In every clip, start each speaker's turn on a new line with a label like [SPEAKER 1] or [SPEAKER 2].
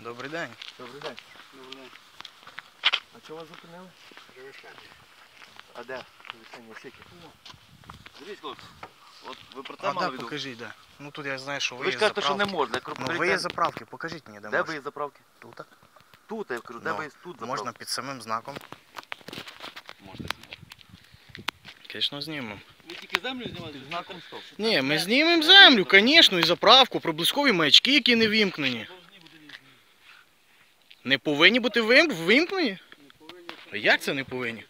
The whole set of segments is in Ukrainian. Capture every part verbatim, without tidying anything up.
[SPEAKER 1] Добрий день.
[SPEAKER 2] Добрий день. Добрий день. А чого вас зупинили?
[SPEAKER 3] Перевищання.
[SPEAKER 2] А де? Перевищення скільки?
[SPEAKER 3] Дивіться, хлопці, от ви про це
[SPEAKER 1] А
[SPEAKER 3] мали
[SPEAKER 1] де,
[SPEAKER 3] віду?
[SPEAKER 1] покажіть, де. Ну тут я знаю, що
[SPEAKER 3] Ви
[SPEAKER 1] ви
[SPEAKER 3] ж
[SPEAKER 1] є
[SPEAKER 3] кажете, що не
[SPEAKER 1] заправки.
[SPEAKER 3] можна.
[SPEAKER 1] Ну ви є заправки, покажіть мені, де
[SPEAKER 3] Де ви
[SPEAKER 1] можна.
[SPEAKER 3] є заправки?
[SPEAKER 1] Тут?
[SPEAKER 3] Тут, я кажу, де
[SPEAKER 1] Ну,
[SPEAKER 3] ви є тут заправки?
[SPEAKER 1] можна під самим знаком.
[SPEAKER 3] Можна знімати.
[SPEAKER 1] Звісно, знімемо.
[SPEAKER 4] Ви тільки землю знімаєте?
[SPEAKER 3] Під знаком стоп.
[SPEAKER 1] Ні, ми знімемо землю, звісно, і заправку, проблискові маячки, які не вимкнені. Не повинні бути вим... вимкнені? А як це не повинні?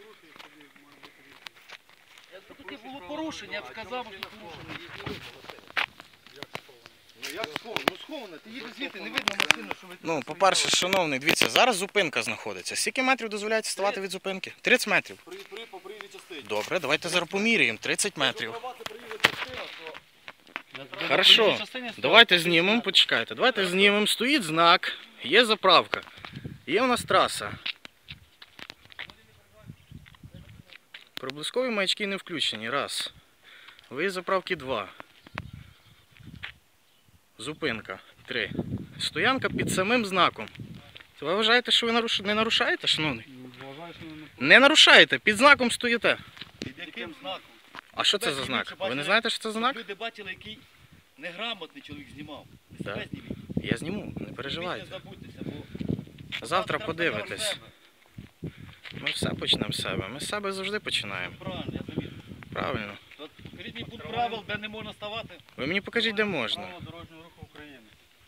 [SPEAKER 4] Якщо таке було порушення, я б сказав, що порушення.
[SPEAKER 3] Ну як сховано? Ну сховано, ти їдеш звідти, не видно машину, що ви...
[SPEAKER 1] Ну, по-перше, шановний, дивіться, зараз зупинка знаходиться. Скільки метрів дозволяється ставати від зупинки? тридцять метрів.
[SPEAKER 3] При, при, по приїзді частині.
[SPEAKER 1] Добре, давайте зараз поміряємо. тридцять метрів.
[SPEAKER 3] Якщо права, це приїзді частина, то...
[SPEAKER 1] Хорошо, давайте знімемо, почекайте. Давайте знімемо, стоїть знак, є заправка, є у нас траса. Проблискові маячки не включені, раз. Виїзд заправки, два. Зупинка, три. Стоянка під самим знаком. Ви вважаєте, що ви наруш... не нарушаєте, шановний? Не нарушаєте, під знаком стоїте.
[SPEAKER 4] Під яким знаком?
[SPEAKER 1] А що це за знак? Ви не знаєте, що це за знак?
[SPEAKER 4] Люди бачили, який неграмотний чоловік знімав. Ви
[SPEAKER 1] Так.
[SPEAKER 4] себе зніміть.
[SPEAKER 1] Я зніму, не
[SPEAKER 4] Ви
[SPEAKER 1] переживайте.
[SPEAKER 4] не забудьтеся, бо...
[SPEAKER 1] Завтра
[SPEAKER 4] треба
[SPEAKER 1] подивитесь.
[SPEAKER 4] себе.
[SPEAKER 1] Ми все почнемо з себе. Ми з себе завжди починаємо.
[SPEAKER 4] Правильно, я замітив.
[SPEAKER 1] Правильно.
[SPEAKER 4] От покажіть мені пункт правил, де не можна ставати.
[SPEAKER 1] Ви мені покажіть, де можна.
[SPEAKER 4] Правила дорожнього руху України.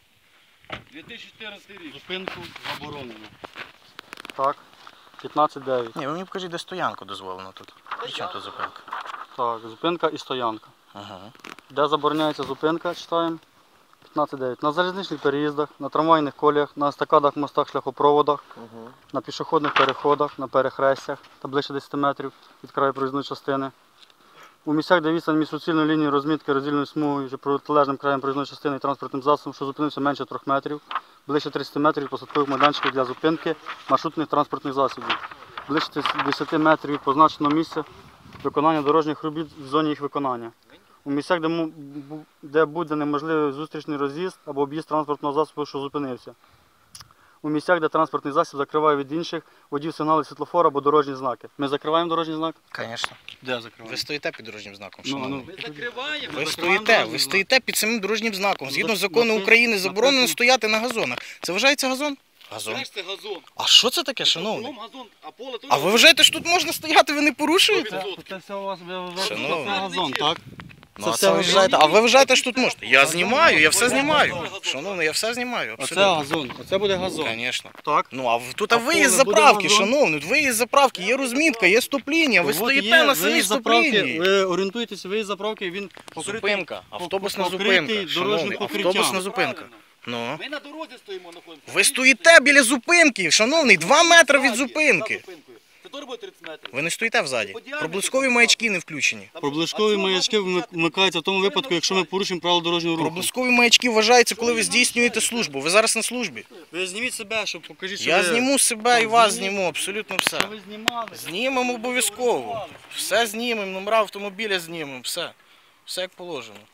[SPEAKER 4] дві тисячі чотирнадцятий рік.
[SPEAKER 2] Зупинку заборонено. Так. п'ятнадцять дев'ять.
[SPEAKER 1] Ні, ви мені покажіть, де стоянку дозволено тут. При чому тут зупинка?
[SPEAKER 2] Так, зупинка і стоянка.
[SPEAKER 1] Ага.
[SPEAKER 2] Де забороняється зупинка, читаємо. п'ятнадцять дев'ять. На залізничних переїздах, на трамвайних коліях, на естакадах, мостах, шляхопроводах,
[SPEAKER 3] Угу.
[SPEAKER 2] на пішохідних переходах, на перехрестях та ближче десять метрів від краю проїзної частини. У місцях, де відстань між суцільною лінією розмітки роздільною смугою чи протилежним краєм проїзної частини і транспортним засобом, що зупинився менше трьох метрів, ближче тридцять метрів від посадкових майданчиків для зупинки маршрутних транспортних засобів, ближче десять метрів від позначеного місця виконання дорожніх робіт в зоні їх виконання. У місцях, де, му- бу- де буде неможливий зустрічний роз'їзд або об'їзд транспортного засобу, що зупинився. У місцях, де транспортний засіб закриває від інших водів сигнали світлофора або дорожні знаки. Ми закриваємо дорожній знак?
[SPEAKER 1] Звісно.
[SPEAKER 2] Де
[SPEAKER 1] Ви
[SPEAKER 2] закриваємо?
[SPEAKER 1] стоїте під дорожнім знаком,
[SPEAKER 2] Ну,
[SPEAKER 1] шановний.
[SPEAKER 2] ну.
[SPEAKER 4] Ми закриваємо.
[SPEAKER 1] Ви
[SPEAKER 2] закриваємо
[SPEAKER 1] стоїте,
[SPEAKER 2] дорожній
[SPEAKER 1] ви
[SPEAKER 2] знак.
[SPEAKER 1] стоїте під самим дорожнім знаком. Згідно
[SPEAKER 2] Зак-
[SPEAKER 1] закону
[SPEAKER 2] напис-
[SPEAKER 1] України заборонено
[SPEAKER 2] написано.
[SPEAKER 1] стояти на газонах. Це вважається газон? Газон.
[SPEAKER 4] Знаєш, це газон.
[SPEAKER 1] А що це таке, шановний?
[SPEAKER 4] Кругом газон, а поле теж
[SPEAKER 1] А ви вважаєте, що тут можна стояти, ви не порушуєте?
[SPEAKER 4] газон.
[SPEAKER 2] Це все у вас
[SPEAKER 1] Шановний.
[SPEAKER 2] це газон, так?
[SPEAKER 1] Ну,
[SPEAKER 2] Це
[SPEAKER 1] а
[SPEAKER 2] все
[SPEAKER 1] це ви
[SPEAKER 2] газон?
[SPEAKER 1] вважаєте, а ви вважаєте, що тут можна? Я знімаю, я все
[SPEAKER 4] Газон,
[SPEAKER 1] знімаю.
[SPEAKER 4] газон, газон.
[SPEAKER 1] Шановний, я все знімаю.
[SPEAKER 2] Оце
[SPEAKER 1] Абсолютно.
[SPEAKER 2] газон, оце буде газон.
[SPEAKER 1] Звісно.
[SPEAKER 2] Так?
[SPEAKER 1] Ну, а в- тут
[SPEAKER 2] А
[SPEAKER 1] виїзд
[SPEAKER 2] поле буде
[SPEAKER 1] заправки,
[SPEAKER 2] газон?
[SPEAKER 1] шановний, виїзд заправки, є розмітка, є стоп-лінія, ви
[SPEAKER 2] От
[SPEAKER 1] стоїте
[SPEAKER 2] є
[SPEAKER 1] на самій
[SPEAKER 2] виїзд заправки,
[SPEAKER 1] стоп-лінії.
[SPEAKER 2] ви орієнтуєтеся, виїзд заправки, він покритий.
[SPEAKER 1] Зупинка, автобусна
[SPEAKER 2] покритий
[SPEAKER 1] зупинка,
[SPEAKER 2] дорожнім
[SPEAKER 1] шановний,
[SPEAKER 2] покриттям.
[SPEAKER 1] автобусна зупинка.
[SPEAKER 4] Правильно.
[SPEAKER 1] Ну.
[SPEAKER 4] Ми на дорозі стоїмо, знаходимося.
[SPEAKER 1] Ви стоїте біля зупинки, шановний, два метри від зупинки.
[SPEAKER 4] Це теж буде тридцять метрів.
[SPEAKER 1] Ви не стоїте взаді. Проблискові маячки не включені.
[SPEAKER 2] Проблискові маячки вмик- вмикаються в тому випадку, якщо ми порушимо правила дорожнього руху.
[SPEAKER 1] Проблискові маячки вважаються, коли ви здійснюєте службу. Ви зараз на службі.
[SPEAKER 2] Ви зніміть себе, щоб покажіть, що
[SPEAKER 1] Я
[SPEAKER 2] ви...
[SPEAKER 1] зніму себе і вас зніму, абсолютно все.
[SPEAKER 2] Що ви знімали?
[SPEAKER 1] Знімемо обов'язково. Все знімемо, номера автомобіля знімемо, все. Все як положено.